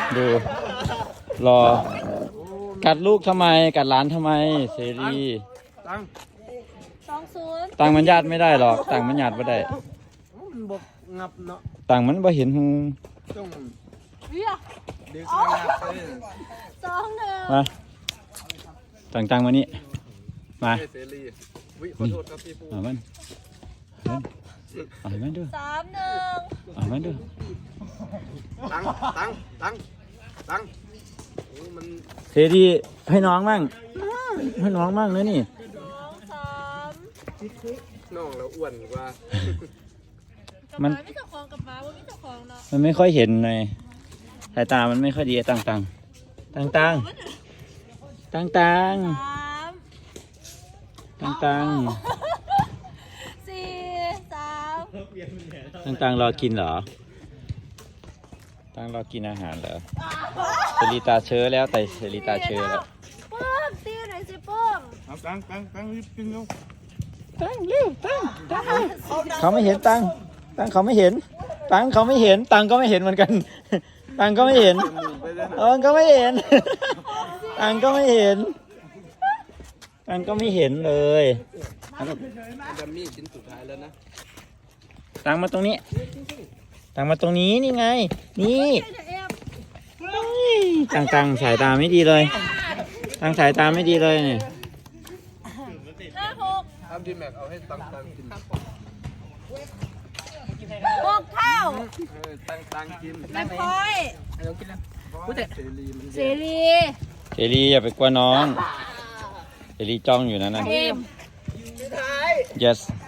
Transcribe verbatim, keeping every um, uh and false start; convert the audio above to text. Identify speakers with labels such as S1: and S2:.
S1: ดูรอกัดลูกทำไมกัดหลานทำไมเสรี
S2: ตัง
S3: สองศูนย์
S1: ตังมันญาติไม่ได้หรอกตังมันญาติไม่ได้
S2: มันบกงับเนาะ
S1: ตังมันบ่เห็นหู
S2: ต้อง
S3: เวีย
S2: เด็กงับเลย
S3: สองหนึ่ง
S1: มาตังตังมานี่มา
S2: เสรีวิขอโทษครับพี่ปู
S1: เอามันเอามันดู
S3: สามหนึ่ง
S1: เอามันดู
S2: ตังตังตังตังโอ้มัน
S1: เสรีให้น้องมั่งให้น้องมั่งนะนี่
S3: สองสาม
S2: น้องเราอ้วนกว่า
S3: มันไม่เจ้าของกับหมาว่าไม่เจ้าของเนาะ
S1: มันไม่ค่อยเห็นเลยสายตามันไม่ค่อยดีตังตังตังตังตังตัง
S3: สาม
S1: ตังตัง
S3: สี่สาม
S1: ตังตังรอกินเหรอตังรอกินอาหารเหรอเสรีตาเชื้อแล้วแต่เสรีตาเชื้อแล้ว
S3: ปื้มตีหน่อยสิปื้ม
S2: เอาตังตังตังรีบกินเร็ว
S1: ตังเร็วตังตังเขาไม่เห็นตังตังเขาไม่เห็นตังเขาไม่เห็นตังก็ไม่เห็นเหมือนกันตังก็ไม่เห็น
S2: ไปเลย
S1: เออก็ไม่เห็นตังก็ไม่เห็นตังก็ไม่เห็นเลย
S2: ดัมมี่ชิ้นสุดท้ายแล้วนะ
S1: ตังมาตรงนี้ตังมาตรงนี้นี่ไง นี่ตังตังสายตาไม่ดีเลยตังสายตาไม่ดีเลยเนี่ย
S3: ห้าหก
S2: ทำดีแม็กเอาให้ตังตังกิน
S3: หกเท่า
S2: เออตังตังกิน
S3: ไม่พอย
S2: เรากินแล้วพูดแต่เสรีมัน
S3: เสรี
S1: เสรีอย่าไปกลัวน้องเสรีจ้องอยู่นะนั่น
S3: เอ็ม
S1: yes